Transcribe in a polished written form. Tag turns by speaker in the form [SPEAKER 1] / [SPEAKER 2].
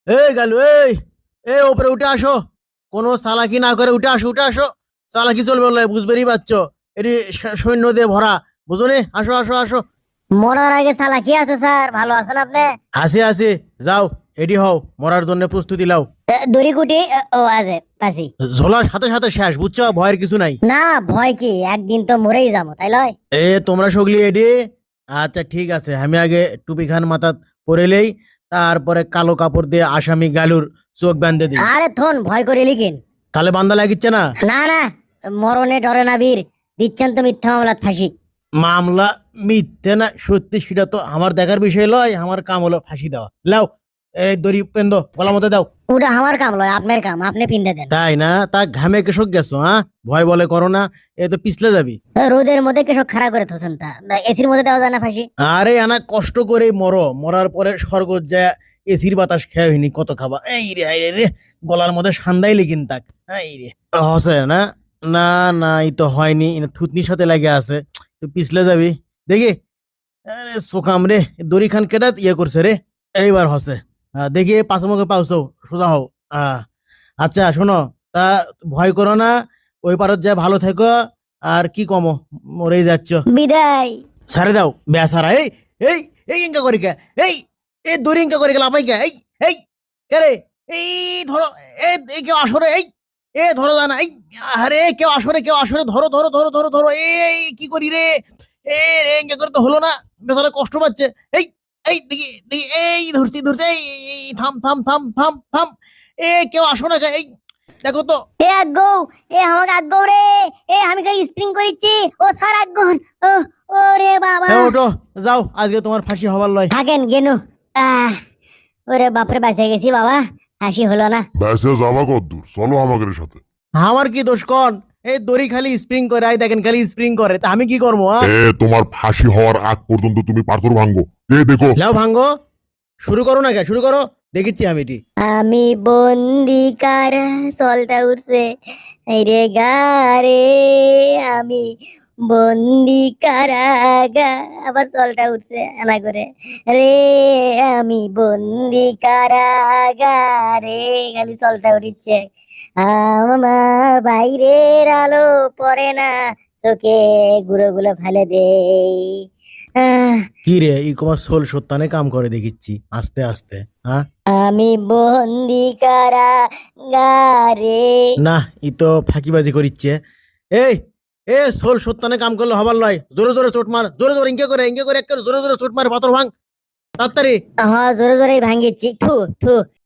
[SPEAKER 1] এই গেল এই এই ওপরে উঠে আসো। কোনো চালাকি না করে উঠে আসো, উঠে আসো। চালাকি চলবে বলে বুঝবেরই পারছো। এটি সৈন্য দিয়ে ভরা, বুঝো নি? আসো আসো আসো।
[SPEAKER 2] মরার আগে সালা কি আছে স্যার, ভালো আছেন আপনি?
[SPEAKER 1] আসি আসি, যাও এডি হও, মরার জন্য প্রস্তুতি লাও।
[SPEAKER 2] দড়ি কুটি ও আছে পাশি।
[SPEAKER 1] ঝোলার সাথে সাথে শেষ, বুঝছো? ভয়ের কিছু নাই।
[SPEAKER 2] না ভয় কি, একদিন তো মরেই যাবো, তাই লয়?
[SPEAKER 1] এ তোমরা সগলি এডি। আচ্ছা ঠিক আছে, আমি আগে টুপি খান মাথা পরেলেই, তারপরে কালো কাপড় দিয়ে আসামি গালুর চোখ বাঁধে দিই।
[SPEAKER 2] আরে থন ভয় করে লিখেন।
[SPEAKER 1] তাহলে বান্দা লাগিচ্ছে না?
[SPEAKER 2] না না, মরণে ডরে না বীর, দিচ্ছেন তো মিথ্যা মামলাত ফাঁসি।
[SPEAKER 1] মামলা মিথ্যে না সত্যি সেটা তো আমার দেখার বিষয় লয়, আমার কাম হলো ফাঁসি দেওয়া। লাও এই দড়ি পেন্দ গলা মতো দাও।
[SPEAKER 2] ওটা আমার কাম লয়, আপনার কাম, আপনি পিন্দে দেন।
[SPEAKER 1] তাই না? তা ঘামে কেসক গেছো? হ্যাঁ, ভয় বলে করো না, এ তো পিছলে যাবি।
[SPEAKER 2] রোদের মধ্যে কেসব খাড়া করে থোছেন, তা এসির মধ্যে দেওয়া যায় না ফাঁসি?
[SPEAKER 1] আরে আনা কষ্ট করে মরো, মরার পরে স্বর্গ যায় এসির বাতাস খেয়ে হইনি, কত খাবা। এই রে এই রে, গলার মধ্যে সান্দাই লেগিন তাক। এই রে হসে না? না না, এই তো হয়নি, থুতনির সাথে লাগে আছে। তুই পিছলে যাবি দেখি। আরে সোকাম রে, দড়ি খান কেটা ইয়ে করছে রে। এইবার হসে। দেখি পাঁচ মুখে পাউছো, সোজা হও। আচ্ছা শোনো, তা ভয় করো না, ওই পারত যায় ভালো থেকো। আর কি কমো, মরেই যাচ্ছ।
[SPEAKER 2] বিদায়।
[SPEAKER 1] সারে দাও বেসারা। এই এই এই ইনকা করি কে? এই এই দড়ি ইনকা করে গেল আপাই কে? এই এই কে রে? এই ধরো। এই কেউ আসরে, এই এ ধরো না এই। আরে কেউ আসরে, কেউ আসরে, ধরো ধরো ধরো ধরো ধরো। এই কি করি রে? এ রে ইনকা করে তো হলো না, বেচারা কষ্ট পাচ্ছে। এই এই দেখি দেখি, এই ধরতে ধরতে, এই এই, থাম থাম থাম থাম থাম। এ কেউ আসো না কে? এই দেখো তো।
[SPEAKER 2] এ আগ্গো, এ আমাকে আগ্গো রে, এ আমি কই স্প্রিং করিচ্ছি, ও স্যার আগ্গন। ও ওরে বাবা।
[SPEAKER 1] ওঠো, যাও, আজকে তোমার ফাঁসি হবার লয়।
[SPEAKER 2] থাকেন গেনু। আহ, ওরে বাপরে, বাঁচে গেছি বাবা, হাসি হলো না।
[SPEAKER 3] ব্যাসে যাবা কদ্দূর, চলো আমাদের সাথে।
[SPEAKER 1] আমার কি দোষ কন? এই দড়ি খালি স্প্রিং করে, আই দেখেন খালি স্প্রিং করে, তা আমি কি করবো?
[SPEAKER 3] তোমার ফাঁসি হওয়ার আগ পর্যন্ত তুমি পাথর ভাঙ্গো। দেখো।
[SPEAKER 1] লাও ভাঙ্গো, শুরু করো না কে? শুরু করো, দেখিচ্ছি আমি এটি।
[SPEAKER 2] আমি বন্দি কারা, সলটা উঠছে এই রে গারে, আমি বন্দি কারাগা, আবার সলটা উঠছে এনা করে রে, আমি বন্দি কারাগারে, খালি সলটা উঠিচ্ছে। আমার বাইরের আলো পড়ে না চোখে, গুলো গুলো ফেলে দেই। আহ,
[SPEAKER 1] কি রে, ই তোমার সোল সত্যানে কাম করে দেখিচ্ছি আস্তে আস্তে। হ্যাঁ
[SPEAKER 2] আমি বন্দি কারাগারে।
[SPEAKER 1] না, ই তো ফাঁকিবাজি করিচ্ছে। এই এ সোল সত্যানে কাম করলে হবার লয়, জোরে জোরে চোট মার, জোরে জোরে ইঙ্কে করে একেবারে জোরে জোরে চোট মার, পাথর ভাঙ তাড়াতাড়ি।
[SPEAKER 2] হ্যাঁ জোরে জোরেই ভাঙ্গিচ্ছি, থু থু।